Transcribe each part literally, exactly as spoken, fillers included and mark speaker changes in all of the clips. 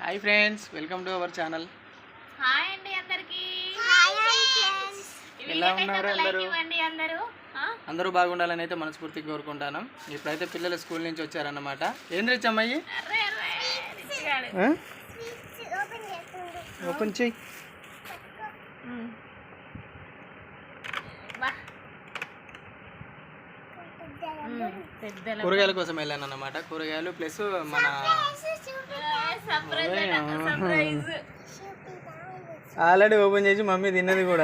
Speaker 1: Hi friends, welcome to our channel.
Speaker 2: Hi అండి అందరికి.
Speaker 1: ఎలా ఉన్నారు అందరూ?
Speaker 2: అందరూ
Speaker 1: అందరూ బాగుండాలని అయితే మనస్ఫూర్తిగా కోరుకుంటాను. ఇప్పుడైతే పిల్లలు స్కూల్ నుంచి వచ్చారన్నమాట. ఏం తెచ్చమ్మాయి? ఓపెన్ చెయ్యి. కూరగాయల కోసం వెళ్ళాను అన్నమాట. కూరగాయలు ప్లస్ మన ఆల్రెడీ ఓపెన్ చేసి మమ్మీ తిన్నది కూడా.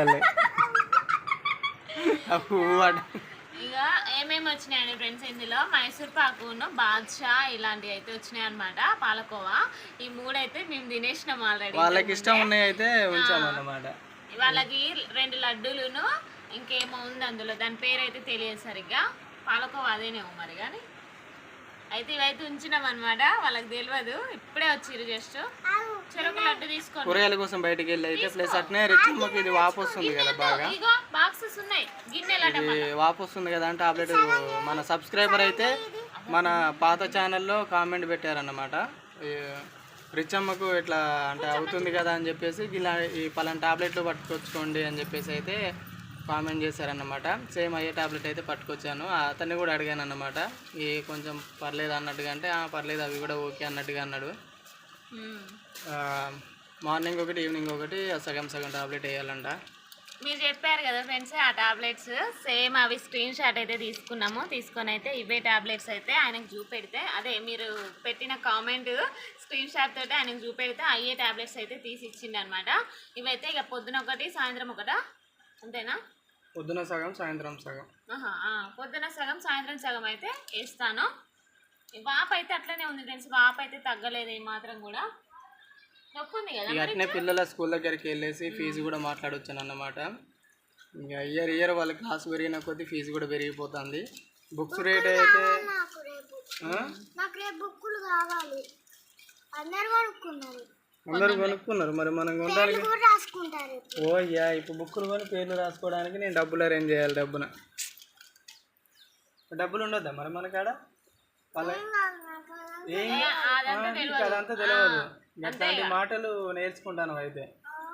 Speaker 2: ఇక ఏమేమి వచ్చినాయండి ఫ్రెండ్స్, ఇందులో మైసూర్ పాకును బాద్షా ఇలాంటివి అయితే వచ్చినాయి అనమాట. పాలకోవా ఈ మూడు అయితే మేము తినేసినాం ఆల్రెడీ.
Speaker 1: వాళ్ళకి ఇష్టం ఉన్నాయి అయితే ఉంచాము అన్నమాట.
Speaker 2: వాళ్ళకి రెండు లడ్డూలును ఇంకేమో ఉంది అందులో, దాని పేరు అయితే తెలియదు సరిగ్గా. పాలకోవా అదేనేమో మరి. కానీ అయితే ఇవైతే ఉంచినాం అనమాట. వాళ్ళకి తెలియదు, ఇప్పుడే వచ్చిర్రు. జస్ట్ చెరుకు లడ్డు తీసుకోండి.
Speaker 1: కూరగాయల కోసం బయటకు వెళ్ళి అయితే ప్లస్ అట్నే రిచ్చమ్మకి ఇది వాపు వస్తుంది కదా బాగా.
Speaker 2: బాక్సెస్ ఉన్నాయి, గిన్నెలు
Speaker 1: వాపు వస్తుంది కదా అని టాబ్లెట్ మన సబ్స్క్రైబర్ అయితే మన పాత ఛానల్లో కామెంట్ పెట్టారన్నమాట. రిచ్చమ్మకు ఇట్లా అంటే అవుతుంది కదా అని చెప్పేసి ఇలా ఈ పలానా టాబ్లెట్లు పట్టుకొచ్చుకోండి అని చెప్పేసి అయితే కామెంట్ చేశారన్నమాట. సేమ్ అయ్యే టాబ్లెట్ అయితే పట్టుకొచ్చాను. అతన్ని కూడా అడిగాను అన్నమాట, ఏ కొంచెం పర్లేదు అన్నట్టుగా. అంటే పర్లేదు అవి కూడా ఓకే అన్నట్టుగా అన్నాడు. మార్నింగ్ ఒకటి ఈవినింగ్ ఒకటి సగం సగం టాబ్లెట్ వేయాలంట.
Speaker 2: మీరు చెప్పారు కదా ఫ్రెండ్స్, ఆ టాబ్లెట్స్ సేమ్ అవి స్క్రీన్ షాట్ అయితే తీసుకున్నాము. తీసుకొని అయితే ఇవే టాబ్లెట్స్ అయితే ఆయనకు చూపెడితే, అదే మీరు పెట్టిన కామెంట్ స్క్రీన్ షాట్ తోటి ఆయనకు చూపెడితే అయ్యే టాబ్లెట్స్ అయితే తీసి ఇచ్చిండు అనమాట. ఇవైతే ఇక పొద్దున ఒకటి సాయంత్రం ఒకటా, అంతేనా?
Speaker 1: పొద్దున సగం సాయంత్రం సగం.
Speaker 2: పొద్దున సగం సాయంత్రం సగం అయితే వేస్తాను. వాపు అయితే అట్లనే ఉంది ఫ్రెండ్స్, వాపు అయితే తగ్గలేదు ఏ మాత్రం కూడా. నొప్పి ఉంది కదా.
Speaker 1: అట్నే పిల్లల స్కూల్ దగ్గరికి వెళ్ళేసి ఫీజు కూడా మాట్లాడొచ్చాను అన్నమాట. ఇంకా ఇయర్ ఇయర్ వాళ్ళ క్లాస్ పెరిగిన కొద్దీ ఫీజు కూడా పెరిగిపోతుంది. బుక్స్ రేట్ అయితే అందరు కొనుక్కున్నారు, మరి మనం కొనడానికి ఓ యా ఇప్పుడు బుక్కులు కొని పేర్లు రాసుకోవడానికి నేను డబ్బులు అరేంజ్ చేయాలి. డబ్బున డబ్బులు ఉండొద్దా మరి మనకాడ? వాళ్ళ ఏం అదంతా తెలియదు. అట్లాంటి మాటలు నేర్చుకుంటాను. అయితే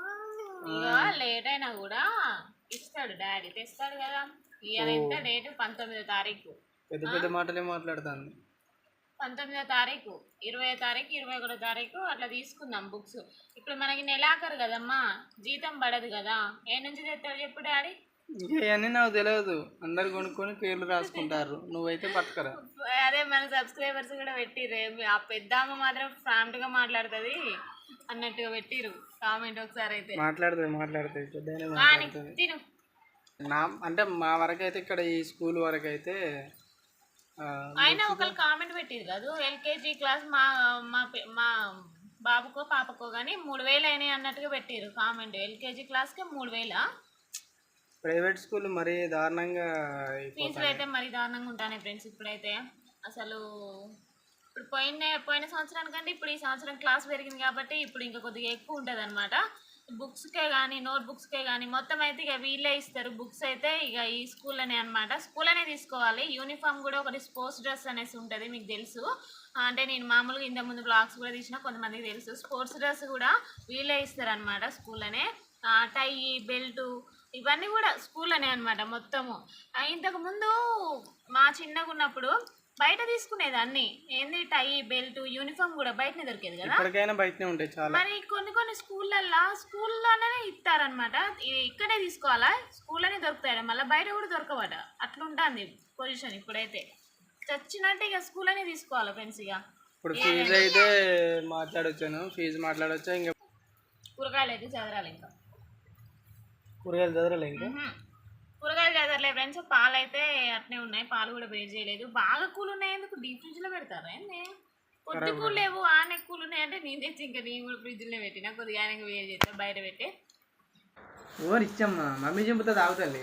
Speaker 2: లేట్ అయినా కూడా ఇస్తాడు డాడీ, తెస్తాడు కదా. ఇవాళ ఎంత డేటు? పంతొమ్మిదో తారీఖు.
Speaker 1: పెద్ద పెద్ద మాటలే మాట్లాడుతాను.
Speaker 2: పంతొమ్మిదో తారీఖు, ఇరవై తారీఖు, ఇరవై ఒకటో తారీఖు అట్లా తీసుకుందాం బుక్స్. ఇప్పుడు మనకి నెలాఖరు కదమ్మా, జీతం పడదు కదా. ఏ నుంచి తెస్తాడు చెప్పు డాడీ?
Speaker 1: ఇవన్నీ నాకు తెలియదు. అందరు కొనుక్కొని పేర్లు రాసుకుంటారు, నువ్వైతే పట్టుకరా.
Speaker 2: అదే మన సబ్స్క్రైబర్స్ కూడా పెట్టిర్రు, ఆ పెద్దమ్మ మాత్రం ఫ్రాంక్గా మాట్లాడుతుంది అన్నట్టుగా పెట్టిరు కామెంట్. ఒకసారి అయితే
Speaker 1: మాట్లాడుతుంది మాట్లాడుతుంది పెద్ద
Speaker 2: తిను.
Speaker 1: నా అంటే మా వరకు అయితే ఇక్కడ ఈ స్కూల్ వరకు అయితే
Speaker 2: ఆయన ఒకళ్ళు కామెంట్ పెట్టిరు కదా, ఎల్కేజీ క్లాస్ మా మా బాబుకో పాపకో కానీ మూడు వేలు అయినాయి అన్నట్టుగా పెట్టిరు కామెంట్. ఎల్కేజీ క్లాస్కి మూడు వేల.
Speaker 1: ప్రైవేట్ స్కూల్ మరీ దారుణంగా
Speaker 2: ఫీజులు అయితే మరీ దారుణంగా ఉంటాయి ఫ్రెండ్స్. ఇప్పుడైతే అసలు ఇప్పుడు పోయిన పోయిన సంవత్సరానికంటే ఇప్పుడు ఈ సంవత్సరం క్లాస్ పెరిగింది కాబట్టి ఇప్పుడు ఇంకా కొద్దిగా ఎక్కువ ఉంటుంది అనమాట. బుక్స్కే కానీ నోట్ బుక్స్కే కానీ మొత్తం అయితే ఇక వీళ్ళే ఇస్తారు బుక్స్ అయితే. ఇక ఈ స్కూల్లోనే అనమాట, స్కూల్లోనే తీసుకోవాలి. యూనిఫామ్ కూడా ఒకటి స్పోర్ట్స్ డ్రెస్ అనేసి ఉంటుంది, మీకు తెలుసు. అంటే నేను మామూలుగా ఇంత ముందు బ్లాగ్స్ కూడా తీసిన, కొంతమందికి తెలుసు. స్పోర్ట్స్ డ్రెస్ కూడా వీళ్ళే ఇస్తారు అనమాట స్కూల్లోనే. టై, బెల్టు ఇవన్నీ కూడా స్కూల్లోనే అనమాట మొత్తము. ఇంతకుముందు మా చిన్నగా ఉన్నప్పుడు బయట తీసుకునేది అన్ని, ఏంది టై, బెల్ట్, యూనిఫామ్ కూడా బయటనే దొరికేది కదా.
Speaker 1: బయటనే ఉంటాయి చాలా.
Speaker 2: మరి కొన్ని కొన్ని స్కూళ్ళల్లో స్కూల్లోనే ఇస్తారనమాట. ఇక్కడే తీసుకోవాలా, స్కూల్లోనే దొరుకుతాయి, మళ్ళీ బయట కూడా దొరకవట. అట్లా ఉంటుంది పొజిషన్ ఇప్పుడైతే. చచ్చినట్టు ఇక స్కూల్లోనే తీసుకోవాలి ఫ్రెండ్స్. ఇక
Speaker 1: ఇప్పుడు ఫీజు అయితే మాట్లాడొచ్చాను, ఫీజు మాట్లాడొచ్చా? ఇంకా
Speaker 2: కూరగాయలు అయితే చదరాలి, ఇంకా
Speaker 1: కూరగాయలు చదరాలి, ఇంకా
Speaker 2: కూరగాయలు చదరలే ఫ్రెండ్స్. పాలు అయితే అట్నే ఉన్నాయి, పాలు కూడా వేడి చేయలేదు. బాగా కూల్ ఉన్నాయి, ఎందుకు డీప్ ఫ్రిడ్జ్లో పెడతారా ఏంది? కొద్ది కూల్ లేవు, ఆనే కూల్ ఉన్నాయి అంటే నేను తెచ్చి ఇంకా నేను కూడా ఫ్రిడ్జ్లో పెట్టినా. కొద్దిగా ఆయనకు వేడి చేస్తా బయట పెట్టి.
Speaker 1: ఓ ఇచ్చమ్మా, మమ్మీ చెబుతుంది ఆగుతుంది.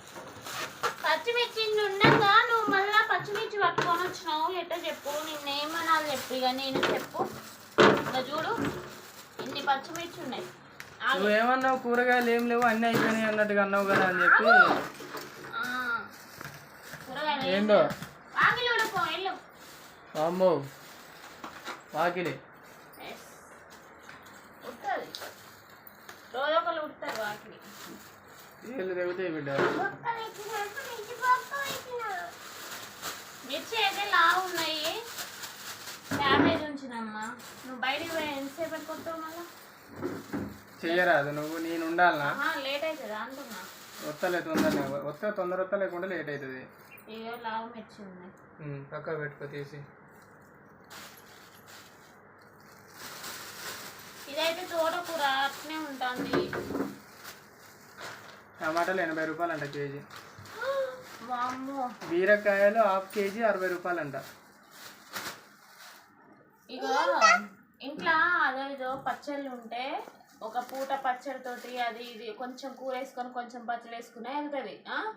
Speaker 2: పచ్చిమిర్చి ఉండగా నువ్వు మళ్ళీ పచ్చిమిర్చి పట్టుకొని వచ్చినావు ఎట్టో చెప్పు, నిన్నేమనాలి చెప్పు. ఇక నేను చెప్పు, ఇంకా చూడు ఇన్ని పచ్చిమిర్చి ఉన్నాయి.
Speaker 1: నువ్వేమన్నావు కూరగాయలు ఏం లేవు అన్నీ అయిపోయినాయి అన్నట్టుగా అన్నావు కదా అని చెప్పి. ఏందో అమ్మో వాకిలి
Speaker 2: వాటిని
Speaker 1: ఏళ్ళు తెగుతాయి బిడ్డ.
Speaker 2: మిర్చి అయితే లావు ఉన్నాయి, డ్యామేజ్ ఉంచినమ్మా. నువ్వు బయటికి పోయి ఎంతసేపు పెట్టుకుంటావు మళ్ళీ?
Speaker 1: చెయ్యరాదు నువ్వు, నేను ఉండాలనా?
Speaker 2: లేట్ అవుతుందా అంటున్నా.
Speaker 1: వస్తలే తొందరనే, వస్తా తొందర వస్తా లేకుండా లేట్ అవుతుంది.
Speaker 2: ఇగో లావు మిర్చి ఉన్నాయి,
Speaker 1: పక్కకు పెట్టుకో తీసి.
Speaker 2: ఇదైతే తోటకూర అట్నే ఉంటుంది.
Speaker 1: టమాటాలు ఎనభై రూపాయలు అంట కేజీ.
Speaker 2: వామ్మో.
Speaker 1: బీరకాయలు హాఫ్ కేజీ అరవై రూపాయలు అంట.
Speaker 2: ఇగో ఇంట్లో అదో ఇదో పచ్చళ్ళు ఉంటే ఒక పూట పచ్చడితోటి అది ఇది కొంచెం కూర వేసుకొని కొంచెం పచ్చడి వేసుకునే వెళ్తుంది.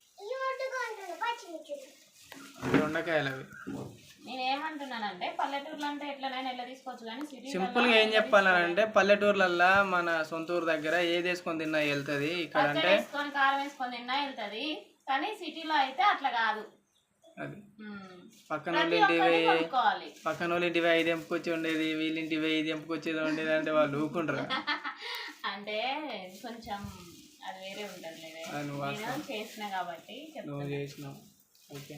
Speaker 1: దొండకాయలు అవి.
Speaker 2: నేనేమంటున్నానంటే పల్లెటూర్లు అంటే ఎట్లనైనా ఎలా తీసుకోవచ్చు, కానీ సిటీ
Speaker 1: సింపుల్గా ఏం చెప్పాలంటే పల్లెటూర్లల్లో మన సొంత ఊరు దగ్గర ఏది వేసుకొని తిన్నా వెళ్తుంది. ఇక్కడ అంటే
Speaker 2: వేసుకొని కారం వేసుకొని తిన్నా వెళ్తుంది, కానీ సిటీలో అయితే అట్లా కాదు.
Speaker 1: అది పక్కన వాళ్ళ ఇంటివి పక్కన వాళ్ళ ఇంటివి ఐదు ఎంపుకొచ్చి ఉండేది, వీళ్ళింటివి ఐదు ఎంపుకొచ్చేది ఉండేది అంటే వాళ్ళు ఊకుంటారు.
Speaker 2: అంటే కొంచెం అది వేరే ఉంటుంది. నేను చేసిన కాబట్టి
Speaker 1: నువ్వు చేసినావు. ఓకే,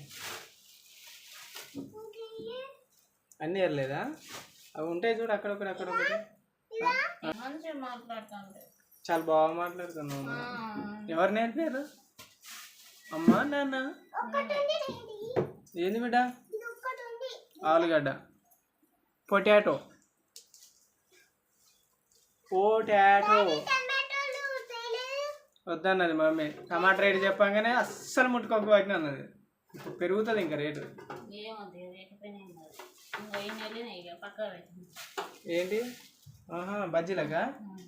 Speaker 1: అన్నీ ఎరలేదా? అవి ఉంటాయి చూడు అక్కడొకటి అక్కడొకటి.
Speaker 2: మంచిగా మాట్లాడుతుంటే
Speaker 1: చాలా బాగా మాట్లాడుతున్నావు. ఎవరు నేర్పారు? అమ్మా నాన్న? ఏంది బిడ్డ? ఆలుగడ్డ, పొటాటో. పొటాటో వద్దన్నది మమ్మీ. టమాటా రేటు చెప్పంగానే అస్సలు ముట్టుకోక వాటిని అన్నది. ఇప్పుడు పెరుగుతుంది ఇంకా రేటు. ఏంటి? ఆహా బజ్జీలకా?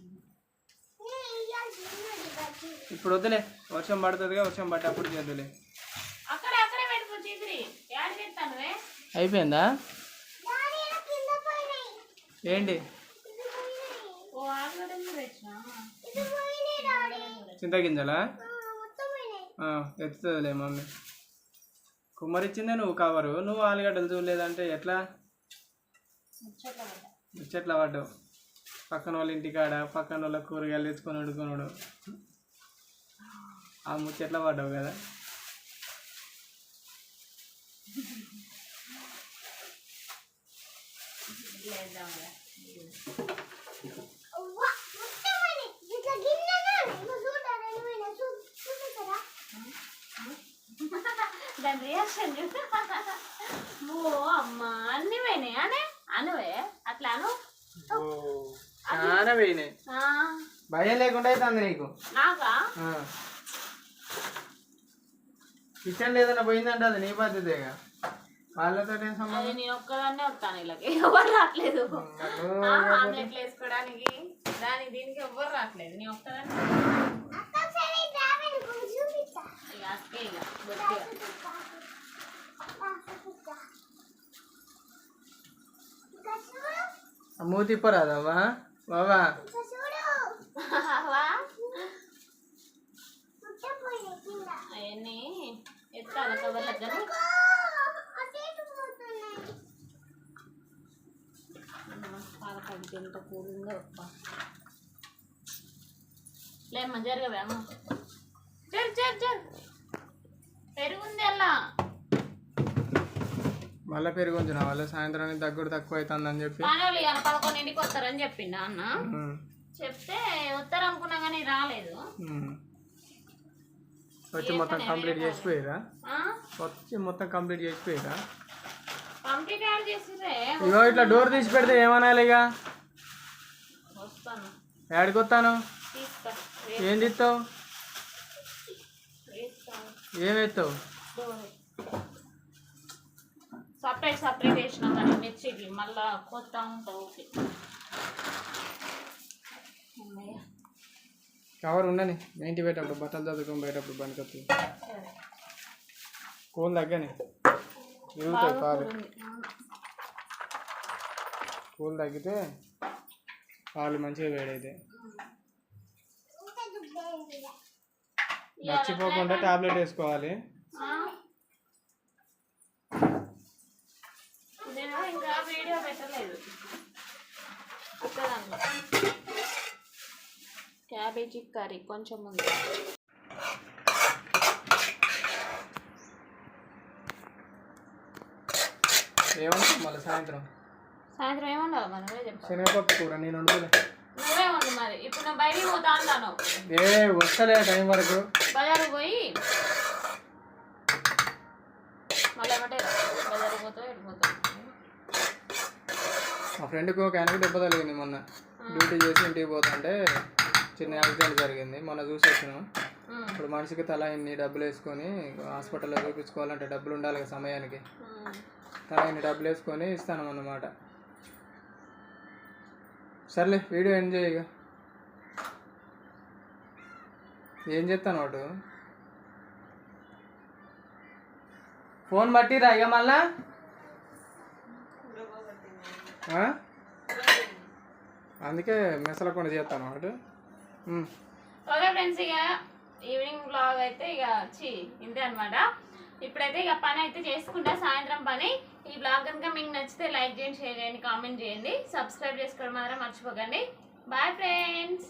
Speaker 1: ఇప్పుడు వద్దులే, వర్షం పడుతుందిగా, వర్షం పట్టి అప్పుడు చేద్దులే. అయిపోయిందా? ఏంటి? చింతగింజలా? ఎత్తుతుందిలే మమ్మీ. కుమ్మరిచ్చిందే నువ్వు కవరు, నువ్వు ఆలుగడ్డలు చూడలేదంటే ఎట్లా? ముచ్చట్లా పడ్డావు. పక్కన వాళ్ళ ఇంటికాడ పక్కన వాళ్ళ కూరగాయలు తెచ్చుకొని వండుకొనుడు, ఆ ముచ్చట్లా పడ్డావు కదా.
Speaker 2: దాని రియాక్షన్ ఓ అమ్మా అన్ని పోయినాయి అనే అనువే అట్లా అను.
Speaker 1: చాలా పోయినాయి. భయం లేకుండా అవుతుంది నీకు.
Speaker 2: నాకా?
Speaker 1: కిచెన్ ఏదైనా పోయిందంటే అది నీ బాధ్యతగా. వాళ్ళతో ఏం సంబంధం?
Speaker 2: నేను ఒక్కదాన్నే వస్తాను, ఇలాగే ఎవరు రావట్లేదు. ఆమ్లెట్లు వేసుకోవడానికి దానికి దీనికి ఎవ్వరు రావట్లేదు, నేను ఒక్కదాన్ని.
Speaker 1: మూతి తిప్పరాదమ్మా బాబా.
Speaker 2: అవన్నీ ఎత్తాలి కవర్ దగ్గర. పాలకడికి ఎంత కూలిందో లేమ్మా, జరగవే అమ్మ. జరు జరు జరు పెరుగుంది అలా.
Speaker 1: మళ్ళీ పెరుగు ఉంచిన వాళ్ళు సాయంత్రానికి దగ్గర తక్కువ అవుతుంది అని చెప్పి
Speaker 2: వాళ్ళు ఇవాళ పదకొండింటికి వస్తారని చెప్పిండు అన్న. చెప్తే వస్తారు అనుకున్నా కానీ రాలేదు.
Speaker 1: వచ్చి మొత్తం కంప్లీట్ చేసిపోయారా? వచ్చి మొత్తం కంప్లీట్ చేసిపోయారా?
Speaker 2: కంప్లీట్ యాడ్ చేసిరే.
Speaker 1: ఇగో ఇట్లా డోర్ తీసి పెడితే ఏమనాలి? ఇక
Speaker 2: వస్తాను.
Speaker 1: యాడికి వస్తాను? ఏం తీస్తావు? ఏం ఎత్తావు?
Speaker 2: సపరేట్ సపరేట్ వేసినాం కానీ మిర్చికి మళ్ళా కొత్త ఉంటావు. ఓకే
Speaker 1: కవర్ ఉండని ఇంటికి పోయేటప్పుడు బట్టలు చదువుకొని పోయేటప్పుడు బండికొత్తి కోళ్ళు తగ్గని ఇరుగుతాయి పాలు. కోళ్ళు తగ్గితే పాలు మంచిగా వేడైతే. మర్చిపోకుండా టాబ్లెట్ వేసుకోవాలి.
Speaker 2: నేను ఇంకా వీడియో పెట్టలేదు. క్యారెట్ క్యాబేజీ కర్రీ కొంచెం ఉంది.
Speaker 1: ఏమన్నా మళ్ళీ సాయంత్రం
Speaker 2: సాయంత్రం ఏమన్నా మనమే చెప్పాలి.
Speaker 1: శనగపప్పు కూర నేను వండుకోలే.
Speaker 2: నువ్వే ఉండు మరి. ఇప్పుడు నేను బయటికి పోతా అంటాను.
Speaker 1: ఏ వస్తలే టైం వరకు
Speaker 2: బజారు పోయి మళ్ళీ ఏమంటే బజారు పోతావు వెళ్ళిపోతావు.
Speaker 1: మా ఫ్రెండ్కి ఒక ఆయనకి దెబ్బ తగిలింది మొన్న. డ్యూటీ చేసి ఇంటికి పోతుంటే చిన్న యాక్సిడెంట్ జరిగింది. మొన్న చూసి వచ్చినాం. ఇప్పుడు మనిషికి తల ఇన్ని డబ్బులు వేసుకొని హాస్పిటల్లో చూపించుకోవాలంటే డబ్బులు ఉండాలి కదా సమయానికి. తల ఇన్ని డబ్బులు వేసుకొని ఇస్తాను అన్నమాట. సర్లే వీడియో ఎంజాయ్. ఇక ఏం చెప్తాను వాడు ఫోన్ బట్టిరా ఇక మళ్ళా. అందుకే మెసలకుండా చేస్తాను వాడు.
Speaker 2: ఓకే ఫ్రెండ్స్, ఇక ఈవినింగ్ బ్లాగ్ అయితే ఇక చి ఇంతే అనమాట. ఇప్పుడైతే ఇక పని అయితే చేసుకుంటా, సాయంత్రం పని. ఈ బ్లాగ్ కనుక మీకు నచ్చితే లైక్ చేయండి, షేర్ చేయండి, కామెంట్ చేయండి, సబ్స్క్రైబ్ చేసుకోవడం మాత్రం మర్చిపోకండి. Bye friends.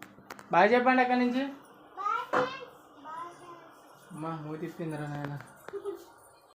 Speaker 1: బాయ్ చెప్పండి అక్కడి నుంచి. అమ్మా మూతి తిప్పిందిరా నాయన.